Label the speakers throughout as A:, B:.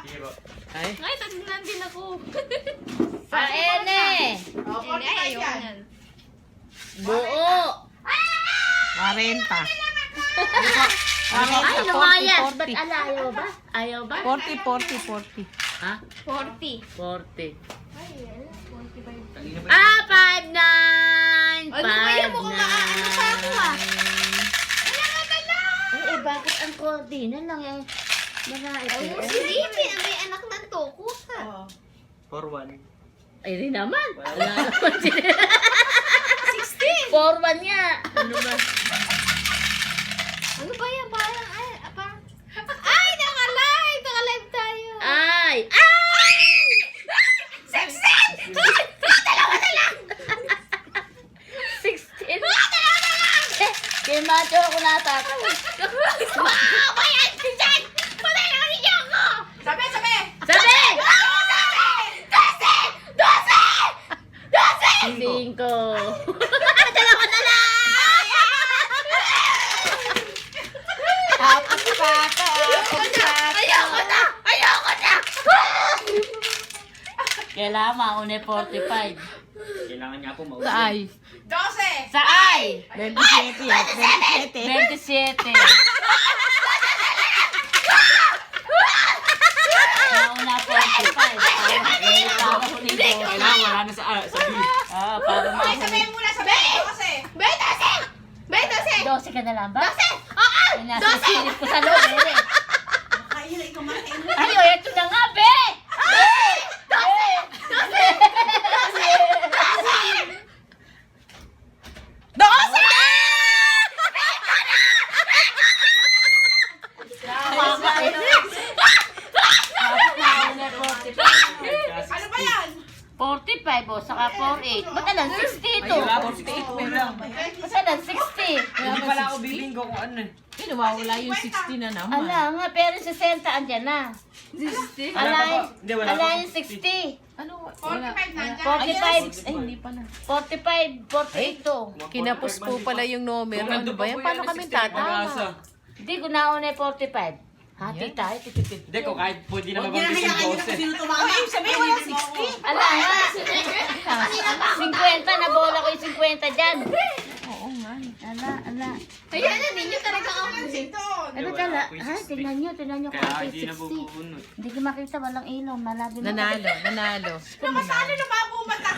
A: Ay.
B: Ay, tagnan din ako.
C: Sa ene.
D: Oh, 45
B: Ay,
D: yan.
B: yan.
C: Buo.
A: 40.
C: Ay, lumayas. Ba't ayaw ba? Ayaw ba?
A: 40, 40, 40.
C: Ha?
B: 40.
C: 40.
B: Ay, 45.
C: Ah, 5'9".
B: Ano kaya mo kung maaano pa ako ah?
C: Eh, bakit ang konti na lang eh? Babae
B: Ay,
C: ko.
B: si Ricky, may anak ng toko ka.
D: Oh.
E: 4-1.
C: Ay, rin naman. Wala naman sila. 16. 4'1" nga. Ano ba?
B: Ano ba yan? Parang, ay, naka-live! Naka-live tayo.
C: Ay! Ay! 16! Dalawa na lang! 16! Dalawa na lang! Kaya macho ako natakaw. Wow! Ayan! Diyan! Patay na kami niyo ako!
D: Sabi, sabi!
C: Sabi! 12! 12! 12! 5! Dalawa na lang!
A: Tapos pa ka.
C: Ayoko na! Ayoko na! Kailangan mauna 45.
E: Kailangan niya po mauli.
A: Sa ay.
D: 12!
C: Sa ay!
A: 27 yan. 27.
C: 27. Mauna 45.
E: Kailangan wala na sa B.
C: Ah, para
D: Okay, sabi
C: mahuli.
D: muna, sabi! 12!
B: Betase!
C: 12 ka na lang ba?
B: 12! Oo!
C: Ay, nasisilip ko sa loob, eh.
D: Kaya na ikaw makain.
C: Ay, oh, eto na nga, be!
D: Ano ba yan?
C: 45 o, saka 48. Ba't alam, 60 ito?
E: Ay, wala, 48 pa lang.
C: Ba't alam, 60?
E: Hindi pala ako bibinggo kung ano eh.
A: Eh, nawawala yung 60 na naman.
C: Ala nga, pero 60 andyan na.
A: 60?
E: Wala pa po. Hindi, wala
C: Ala
E: pa.
C: yung 60.
A: Ano?
D: 45 na dyan.
C: 45.
A: Ay, hindi pa na.
C: 45, 48 to.
A: Kinapos po pala yung numero. Ano ba yan? Paano kami tatama?
C: Hindi ko nauna yung 45. Hati tayo, tipipip.
E: Hindi, kung kahit pwede na
D: Huwag niya
E: mabangkis yung
D: hayaan nyo kung
E: 12.
D: sino tumama. Ay, sabi, wala 60.
C: Ala nga. 50, nabola ko yung 50 dyan.
A: Oo nga.
C: Ala.
B: Ayan na, ninyo talaga ako.
C: Ano tala? Ha, tingnan nyo kung
E: Kaya
C: ako
E: hindi na
C: 60.
E: bubunot.
C: Hindi ko makita, walang ilaw. Malabi mo.
A: Nanalo.
D: Namasano na mapumata.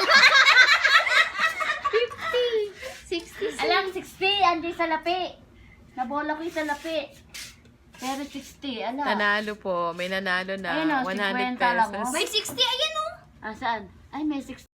B: 60.
C: Alam, 60. Andiyan sa lapi. Nabola ko yung sa lapi. Pero 60, ala.
A: Nanalo po. May nanalo na.
C: Ayun o,
A: 100
C: 50 lang, oh.
A: pesos.
B: May 60, ayan oh.
C: Ah, saan? Ay, may 60.